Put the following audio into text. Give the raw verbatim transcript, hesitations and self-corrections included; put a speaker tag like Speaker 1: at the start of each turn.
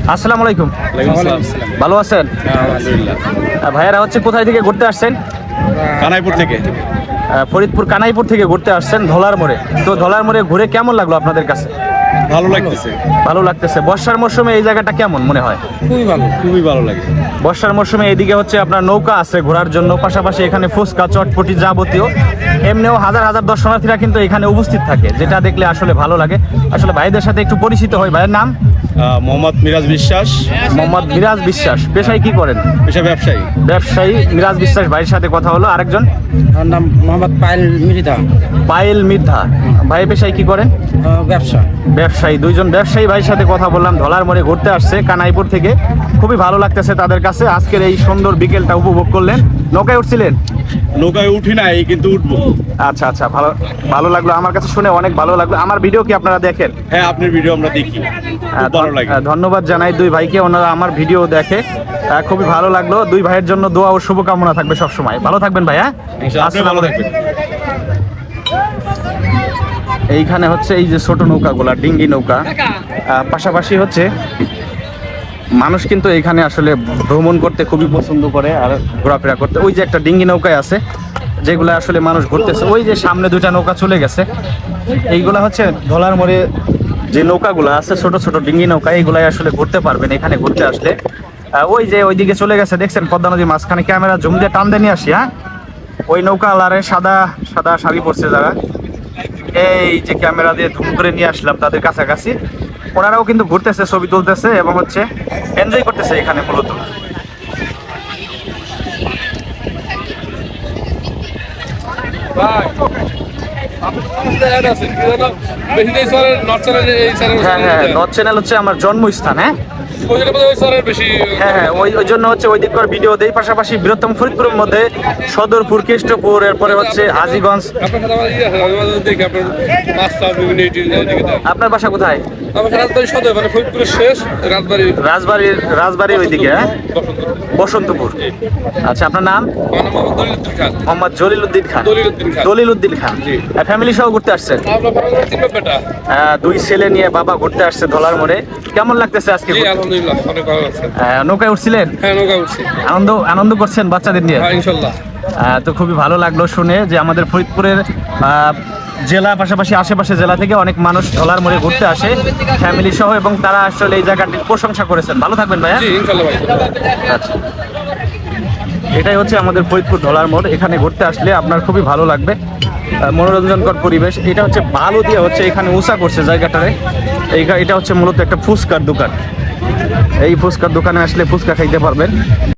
Speaker 1: আসসালামু আলাইকুম। ভালো আছেন?
Speaker 2: আলহামদুলিল্লাহ।
Speaker 1: ভাইয়ারা হচ্ছে কোথায় থেকে ঘুরতে আসছেন?
Speaker 2: কানাইপুর থেকে।
Speaker 1: ফরিদপুর কানাইপুর থেকে ঘুরতে আসছেন ধলার মোড়ে। তো ধলার মোড়ে ঘুরে কেমন লাগলো আপনাদের কাছে?
Speaker 2: ভালো লাগতেছে।
Speaker 1: ভালো লাগতেছে। বর্ষার মৌসুমে এই জায়গাটা কেমন মনে হয়?
Speaker 2: খুবই ভালো, খুবই ভালো লাগে।
Speaker 1: বর্ষার মৌসুমে এইদিকে হচ্ছে আপনার নৌকা আছে ঘোরার জন্য, পাশাপাশি এখানে ফুচকা চটপটি যাবতীয় এমনিও হাজার হাজার দর্শনার্থীরা কিন্তু এখানে উপস্থিত থাকে, যেটা দেখলে আসলে ভালো লাগে। আসলে ভাইদের সাথে একটু পরিচিত হয়। ভাইয়ের নাম?
Speaker 2: মোহাম্মদ মিরাজ বিশ্বাস।
Speaker 1: মোহাম্মদ মিরাজ বিশ্বাস। পেশায় কি করেন?
Speaker 2: পেশা ব্যবসায়ী।
Speaker 1: ব্যবসায়ী মিরাজ বিশ্বাস ভাইয়ের সাথে কথা হলো। আরেকজন?
Speaker 3: আমার নাম মোহাম্মদ পায়েল মৃধা।
Speaker 1: পায়েল মির্ধা। ভাই পেশায় কি করেন?
Speaker 3: ব্যবসা।
Speaker 1: ব্যবসায়ী। দুইজন ব্যবসায়ী ভাইয়ের সাথে কথা বললাম। ধলার মোড়ে ঘুরতে আসছে কানাইপুর থেকে। খুবই ভালো লাগতেছে তাদের কাছে। আজকের এই সুন্দর বিকেলটা উপভোগ করলেন। নৌকায় উঠছিলেন?
Speaker 2: নৌকায় উঠি নাই, কিন্তু উঠবো।
Speaker 1: আচ্ছা আচ্ছা, ভালো ভালো লাগলো। আমার কাছে শুনে অনেক ভালো লাগলো। আমার ভিডিও কি আপনারা দেখেন?
Speaker 2: হ্যাঁ, আপনার ভিডিও আমরা দেখি, খুব ভালো লাগে।
Speaker 1: ধন্যবাদ জানাই দুই ভাইকে, ওনারা আমার ভিডিও দেখে। আহ, খুবই ভালো লাগলো। দুই ভাইয়ের জন্য দোয়া ও শুভকামনা থাকবে সবসময়। ভালো থাকবেন ভাই। হ্যাঁ,
Speaker 2: আপনি ভালো থাকবেন।
Speaker 1: এইখানে হচ্ছে এই যে ছোট নৌকাগুলা, ডিঙ্গি নৌকা, আহ, পাশাপাশি হচ্ছে মানুষ কিন্তু এখানে আসলে ভ্রমণ করতে খুবই পছন্দ করে আর ঘোরাফেরা করতে। ওই যে একটা ডিঙ্গি নৌকায় আছে যেগুলো আসলে মানুষ ঘুরতেছে। ওই যে সামনে দুইটা নৌকা চলে গেছে, এইগুলা হচ্ছে ধলার মোড়ে যে নৌকাগুলো আছে ছোট ছোট ডিঙ্গি নৌকা, এইগুলাই আসলে ঘুরতে পারবেন এখানে ঘুরতে আসলে। ওই যে ওইদিকে চলে গেছে দেখছেন পদ্মা নদীর মাঝখানে। ক্যামেরা জুম দিয়ে টান দিয়ে নিয়ে আসি। হ্যাঁ, ওই নৌকা আলারে সাদা সাদা শাড়ি পরছে যারা, এই যে ক্যামেরা দিয়ে ধুম করে নিয়ে আসলাম তাদের কাছাকাছি। ওনারাও কিন্তু ঘুরতেছে, ছবি তুলতেছে এবং হচ্ছে এনজয় করতেছে এখানে মূলত। হ্যাঁ হ্যাঁ, নর্থ চ্যানেল হচ্ছে আমার জন্মস্থান। হ্যাঁ হ্যাঁ হ্যাঁ, ওই ওই জন্য হচ্ছে ওই দিককার ভিডিও দেই। পাশাপাশি বৃহত্তম ফরিদপুরের মধ্যে সদরপুর, কেষ্টপুর, এরপরে হচ্ছে হাজীগঞ্জ। আপনার বাসা কোথায়? রাজবাড়ির রাজবাড়ির ওইদিকে। হ্যাঁ, বসন্তপুর। আচ্ছা, আপনার নাম? মোহাম্মদ জলিল উদ্দিন খান। দলিল উদ্দিন খান। ফ্যামিলি সহ ঘুরতে আসছেন? দুই ছেলে নিয়ে বাবা ঘুরতে আসছে ধলার মোড়ে। কেমন লাগতেছে আজকে? নৌকায় উঠছিলেন? আনন্দ আনন্দ করছেন বাচ্চাদের নিয়ে? তো খুবই ভালো লাগলো শুনে যে আমাদের ফরিদপুরের জেলা পাশাপাশি আশেপাশে জেলা থেকে অনেক মানুষ ধলার মোড়ে ঘুরতে আসে ফ্যামিলি সহ, এবং তারা আসলে এই জায়গাটির প্রশংসা করেছেন। ভালো থাকবেন ভাইয়া। আচ্ছা, এটাই হচ্ছে আমাদের ফরিদপুর ধলার মোড়। এখানে ঘুরতে আসলে আপনার খুবই ভালো লাগবে, মনোরঞ্জনকর পরিবেশ। এটা হচ্ছে বালু দিয়ে হচ্ছে এখানে উঁচা করছে জায়গাটারে। এটা হচ্ছে মূলত একটা ফুচকার দোকান। এই ফুচকার দোকানে আসলে ফুচকা খাইতে পারবেন।